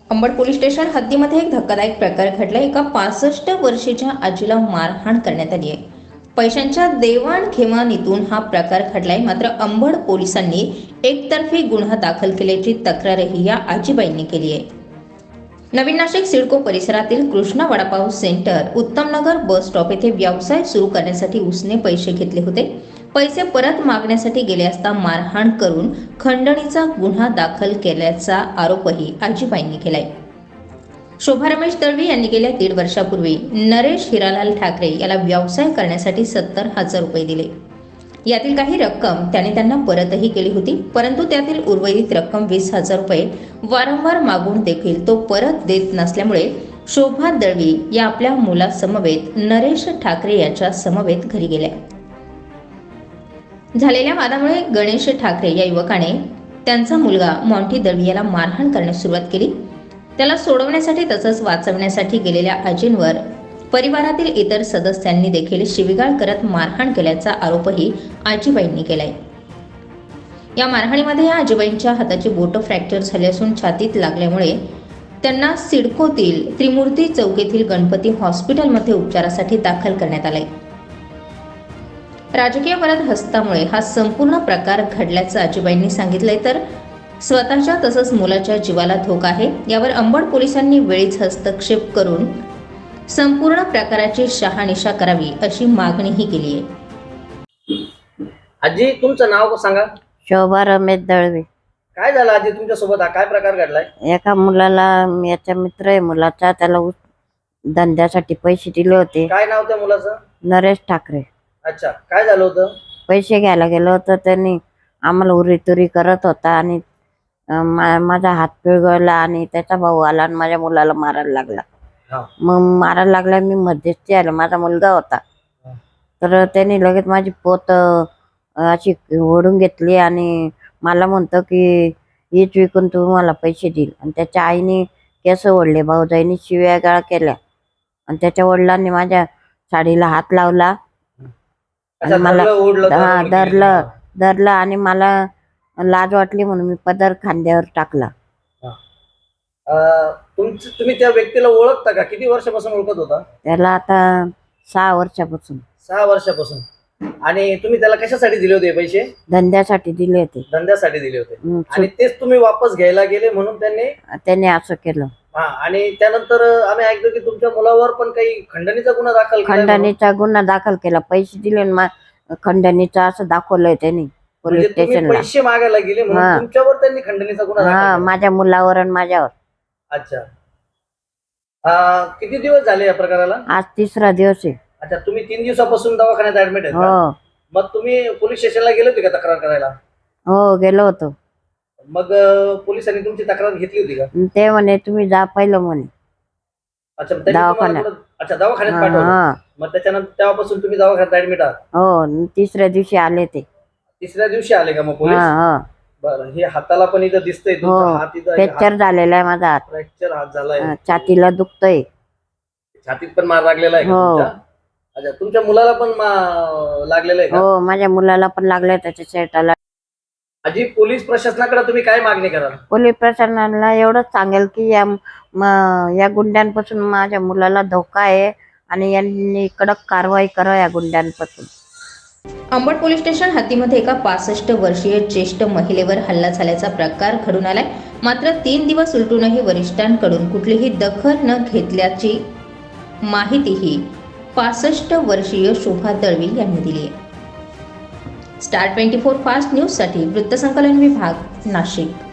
Ambad police station हद्दीमध्ये एक धक्कादायक प्रकार घडला। एका 65 वर्षीच्या आजीला मारहाण करण्यात आली आहे। पैशांच्या देवाणघेवाणीतून हा प्रकार घडलाय। मात्र अंबड पोलिसांनी एकतर्फी गुन्हा दाखल केल्याची तक्रारही या आजीबाईंनी केली आहे। नवीन नाशिक सिडको परिसरातील Krishna vada pav centre Uttamnagar bus stop येथे व्यवसाय सुरू करण्यासाठी उसने पैसे घेतले होते। पैसे परत मागण्यासाठी गेले असता मारहाण करून खंडणीचा गुन्हा दाखल केल्याचा आरोपही आजीबाईंनी केलाय। शोभा रमेश दळवी यांनी गेल्या 1.5 वर्षापूर्वी नरेश हिरालाल ठाकरे याला व्यवसाय करण्यासाठी 70,000 रुपये दिले। यातील काही रक्कम त्याने त्यांना परतही केली होती, परंतु त्यातील उर्वरित रक्कम 20,000 रुपये वारंवार मागून देखील तो परत देत नसल्यामुळे शोभा दळवी या आपल्या मुलासमवेत नरेश ठाकरे याच्या समवेत घरी गेल्या। झालेल्या वादामुळे गणेश ठाकरे या युवकाने त्यांचा मुलगा मॉन्टी दळवी याला मारहाण करण्यास सुरुवात केली। त्याला सोडवण्यासाठी तसंच वाचवण्यासाठी गेलेल्या आजींवर परिवारातील इतर सदस्यांनी देखील शिवीगाळ करत मारहाण केल्याचा आरोपही आजीबाईंनी केलाय। या मारहाणीमध्ये या आजीबाईंच्या हाताची बोटं फ्रॅक्चर झाली असून छातीत लागल्यामुळे त्यांना सिडकोतील त्रिमूर्ती चौक येथील गणपती हॉस्पिटलमध्ये उपचारासाठी दाखल करण्यात आले। राजकीय वरद हस्तामुळे हा संपूर्ण प्रकार घडल्याचं आजीबाईंनी सांगितलंय। तर स्वतःच्या तसंच मुलाच्या जीवाला धोका आहे। यावर अंबड पोलिसांनी वेळीच हस्तक्षेप करून संपूर्ण प्रकाराची शहानिशा करावी अशी मागणीही केली आहे। आजी, तुमचं नाव सांगा। शोभा रमेश दळवी। काय झालं आजी तुमच्या सोबत? हा काय प्रकार घडलाय? एका मुलाला, याचा मित्र आहे मुलाचा, त्याला धंद्यासाठी पैसे दिले होते। काय नाव त्या मुलाचं? नरेश ठाकरे। अच्छा, काय झालं होतं? पैसे घ्यायला गेलो होतो, त्यांनी आम्हाला उरीतुरी करत होता आणि माझा हात पिळगळला आणि त्याचा भाऊ आला आणि माझ्या मुलाला मारायला लागला। मग मारायला लागला, मी मध्यस्थी आले, माझा मुलगा होता, तर त्यांनी लगेच माझी पोत अशी ओढून घेतली आणि मला म्हणतो की हीच विकून तू मला पैसे देईल। आणि त्याच्या आईने केस ओढले, भाऊजाईने शिव्या गाळ केल्या आणि त्याच्या वडिलांनी माझ्या साडीला हात लावला आणि मला धरलं आणि मला लाज वाटली म्हणून मी पदर खांद्यावर टाकला। तुम्ही त्या व्यक्तीला ओळखता का? किती वर्षापासून ओळखत होता त्याला? आता 6 वर्षापासून। 6 वर्षापासून। आणि तुम्ही त्याला कशासाठी दिले होते पैसे? धंद्यासाठी दिले होते। धंद्यासाठी दिले होते आणि तेच तुम्ही वापस घ्यायला गेले म्हणून त्याने असं केलं। आणि त्यानंतर आम्ही ऐकतो की तुमच्या मुलावर पण काही खंडणीचा गुन्हा दाखल केला। पैसे दिले खंडणीचा असं दाखवलंय त्यांनी पोलीस स्टेशनला। पैसे मागायला गेले म्हणून तुमच्यावर त्यांनी खंडणीचा गुन्हा दाखल केला? माझ्या मुलावर आणि माझ्यावर। अच्छा, किती दिवस झाले या प्रकाराला? आज 3रा दिवस आहे। अच्छा, तुम्ही 3 दिवसापासून दवाखान्यात ऍडमिट आहे का? मग तुम्ही पोलीस स्टेशनला गेले होते का तक्रार करायला? हो, गेलो होतो। मग पोलिसांनी तुमची तक्रार घेतली होती का? ते म्हणे तुम्ही जा पहिलं म्हणे। अच्छा, दवाखान्यात पाठवलं। मग त्याच्यानंतर तेव्हापासून तुम्ही दवाखान्यात ऍडमिट आहात? हो, 3ऱ्या दिवशी आले ते। 3ऱ्या दिवशी आले का मग पोलीस? बरं, हे हाताला पण इथं दिसतंय हात इथं फ्रॅक्चर झालेला आहे माझा हात। फ्रॅक्चर हात झालाय, छातीला दुखतंय, छातीत पण मार लागलेला आहे का? अच्छा, तुमच्या मुलाला पण लागलेलं आहे का? हो, माझ्या मुलाला पण लागलंय, त्याच्या शर्टाला। आजी, पोलीस प्रशासनाकडे तुम्ही काय मागणी कराल? पोलीस प्रशासनाला एवढंच सांगेल की या गुंड्यांपासून माझ्या मुलाला धोका आहे आणि यांनी कडक कारवाई करा या गुंड्यांपासून। अंबड पोलीस स्टेशन हद्दीमध्ये एका 65 वर्षीय ज्येष्ठ महिलेवर हल्ला झाल्याचा प्रकार घडून आलाय। मात्र 3 दिवस उलटूनही वरिष्ठांकडून कुठलीही दखल न घेतल्याची माहितीही 65 वर्षीय शोभा दळवी यांनी दिली आहे। स्टार 24 फास्ट न्यूज साठी वृत्तसंकलन विभाग, नाशिक।